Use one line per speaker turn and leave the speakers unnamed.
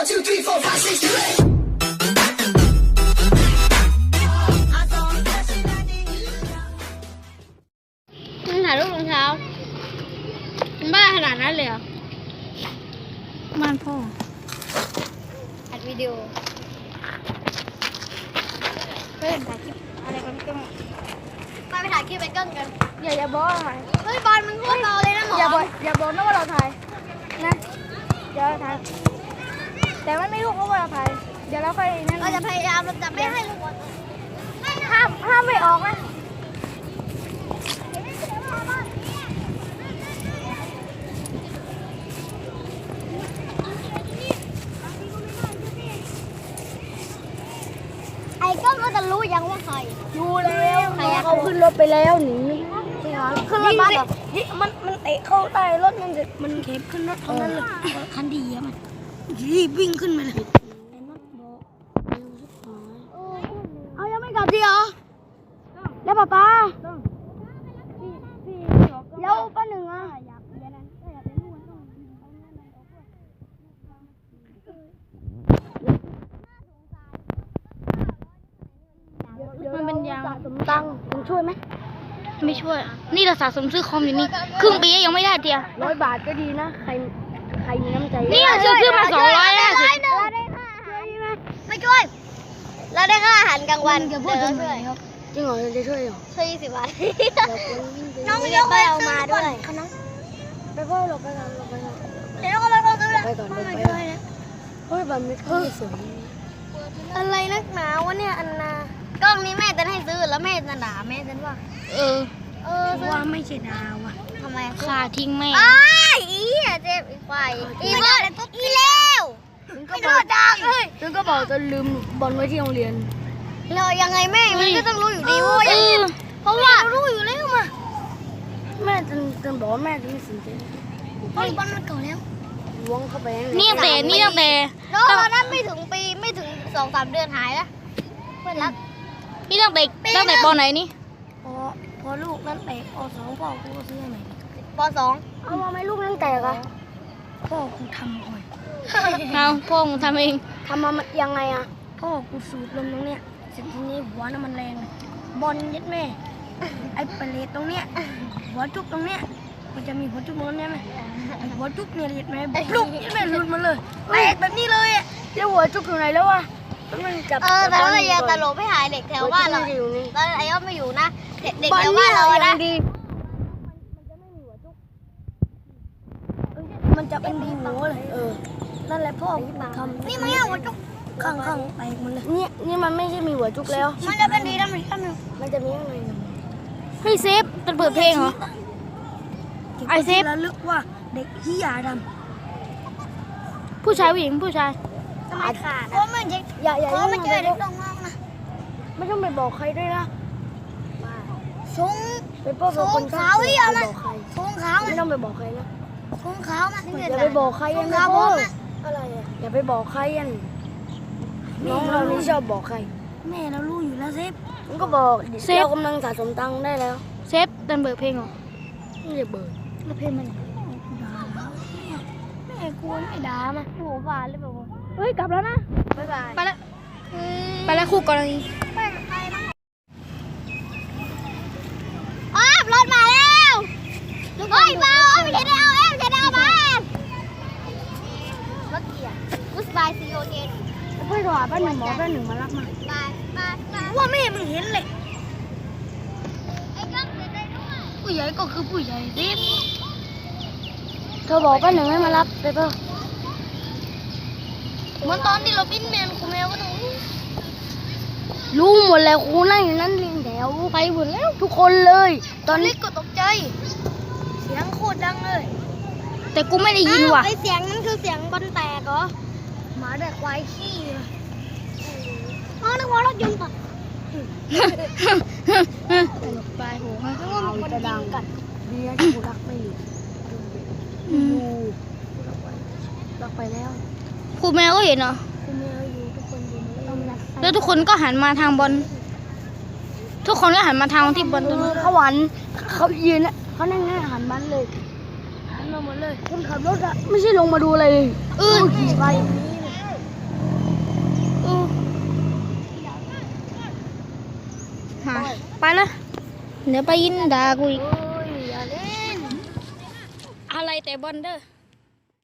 1 2 3 4 5 6 7 8
มึงถ่ายรูปรองเท้ามันบ้าขนาดนั้นเลยเหรอบ้านพ่ออัดวิดีโอเฮ้ยถ่ายคลิปอะไรกันก็ไปถ่ายคลิปไปเกิ้งกันอย่าบอกเฮ้ยบอลมึงพูดเบาเลยนะหมออย่าบอกนะว่าเราถ่ายนะเดี๋ยวถ่ายแต่มันไม่รู้ว่าเราถ่ายเดี๋ยวเราค่อยนั่นเราจะพยายามเราจะไม่ให้ลูกบอลห้ามไม่ออกนะไอ้ก็จะรู้ยังว่าใครรู้แล้วเขาขึ้นรถไปแล้วหนีขึ้นรถบัสเหรอมันเตะเข้าใต้รถมันเข็บขึ้นรถเท่านั้นเลยคันดีอะมันรีบวิ่งขึ้นมาเลยเอายังไม่กลับดีเหรอแล้วป้าแล้วป้าหนึ่งอ่ะมันเป็นยางสมตังค์มึงช่วยไหมไม่ช่วยนี่เราสะสมซื้อคอมอยู่นี่ครึ่งปียังไม่ได้เดียว100 บาทก็ดีนะใครมีน้ำใจนี่ซื้อมา250ไม่ช่วยเราได้ค่าอาหารกลางวันเดี๋ยวพูดถึงเลยครับจริงเหรอจะช่วยเหรอช่วย20 บาทน้องยกไปเอามาด้วยไปพ่อหลบไปก่อนเดี๋ยวก็ไปก่อนไปก่อนเฮ้ยแบบไม่ค่อยสวยอะไรนักหนาวะเนี่ยอันนากล้องนี้แม่จะให้ซื้อแล้วแม่จะด่าแม่จะว่าว่าไม่ใช่ดาวอะทำไมขาทิ้งแม่อีเจ็บอีกฝ่ายอีเบิร์ดอีเลวไม่โดนดังเลยแล้วก็บอกจะลืมบอลไว้ที่โรงเรียนเรายังไงแม่มันก็ต้องรู้อยู่ดีว่าเพราะว่ารู้อยู่แล้วมาแม่จะบอกว่าแม่จะไม่สนใจเพราะบอลมันเก่าแล้วล้วงเข้าไปนี่ตั้งแต่น้องเรานั้นไม่ถึงปีไม่ถึง2-3 เดือนหายแล้วเพื่อนรักนี่ตั้งแต่ป.ไหนนี่พอลูกนั้นแตกป.2พ่อกูก็ซื้อใหม่ป.2เอามาไหมลูกนั้นแตกอะพ่อกูทำก่อนเอาพ่อกูทำเองทำมายังไงอะพ่อกูสูบลมตรงเนี้ยเสร็จทีนี้หัวน้ำมันแรงบอลยัดแม่ไอ้เปรตตรงเนี้ยหัวจุกตรงเนี้ยมันจะมีหัวจุกตรงนี้ไหมไอ้หัวจุกเนี่ยยัดแม่ลูกยัดแม่หลุดมาเลยแตกแบบนี้เลยแล้วหัวจุกอยู่ไหนแล้ววะมันจับแต่เราอย่าตลบให้หายเด็กแถวบ้านเราตอนไอ้ย่อมไม่อยู่นะเด็กแถวบ้านเรานะมันจะเป็นดีหัวเลยนั่นแหละพ่อทำนี่มันหัวจุกข้างแตกมันเลยนี่มันไม่ใช่มีหัวจุกแล้วมันจะเป็นดีแล้วมันจะมีอะไรให้เซฟเป็นเปิดเพลงเหรอไอเซฟระลึกว่าเด็กที่ยาดำผู้ชายผู้หญิงผู้ชายทำไมขาดเพราะมันอย่าไม่เจอเด็กต้องมองนะไม่ต้องไปบอกใครด้วยนะชงขาวที่เอามาชงขาวไม่ต้องไปบอกใครนะชงขาวมาอย่าไปบอกใครนะพ่ออะไรอย่าไปบอกใครยันน้องเรานี่ชอบบอกใครแม่เรารู้อยู่แล้วเซฟมันก็บอกเรากำลังสะสมตังค์ได้แล้วเซฟดันเบิร์เพลงเหรอไม่ได้เบิร์แล้วเพลงมันแม่กลัวไม่ด่ามาโหผ่านเลยแบบเฮ้ยกลับแล้วนะบ๊ายบายไปแล้วคู่กรณีรถมาแล้วเฮ้ยมาไม่ใช่ได้เอาไม่ใช่ได้เอามารถเกียร์กุสบายซีโอเกนเพื่อนโทรหาป้าหนึ่งป้าหนึ่งมารับมาว่าแม่มึงเห็นเลยผู้ใหญ่ก็คือผู้ใหญ่ดิเธอบอกป้าหนึ่งให้มารับไปเปล่าเหมือนตอนที่เราปิ้นแมวกูแมวก็ต้องรู้หมดแล้วครูนั่งอยู่นั่นเรียงแถวไปหมดแล้วทุกคนเลยตอนเล็กก็ตกใจเสียงโคตรดังเลยแต่กูไม่ได้ยินว่ะไอเสียงนั้นคือเสียงบอลแตกเหรอหมาแดกควายขี้อ๋อนึกว่ารถยนต์ป่ะไปโหนึกว่ามันจะดังกันดีนะที่กูรักไม่อยู่รักไปแล้วครูแมวก็เห็นเหรอครูแมวอยู่ทุกคนอยู่แล้วทุกคนก็หันมาทางบอลทุกคนก็หันมาทางที่บอลตรงนั้นเขาหวานเขายืนเขานั่งหันบ้านเลยหันมาหมดเลยคนขับรถอะไม่ใช่ลงมาดูอะไรเลยขี่ไป
มาไปละเดี๋ยวไปยินด่ากูอีก
อย่าเล่น
อะไรแต่บอลเด้อ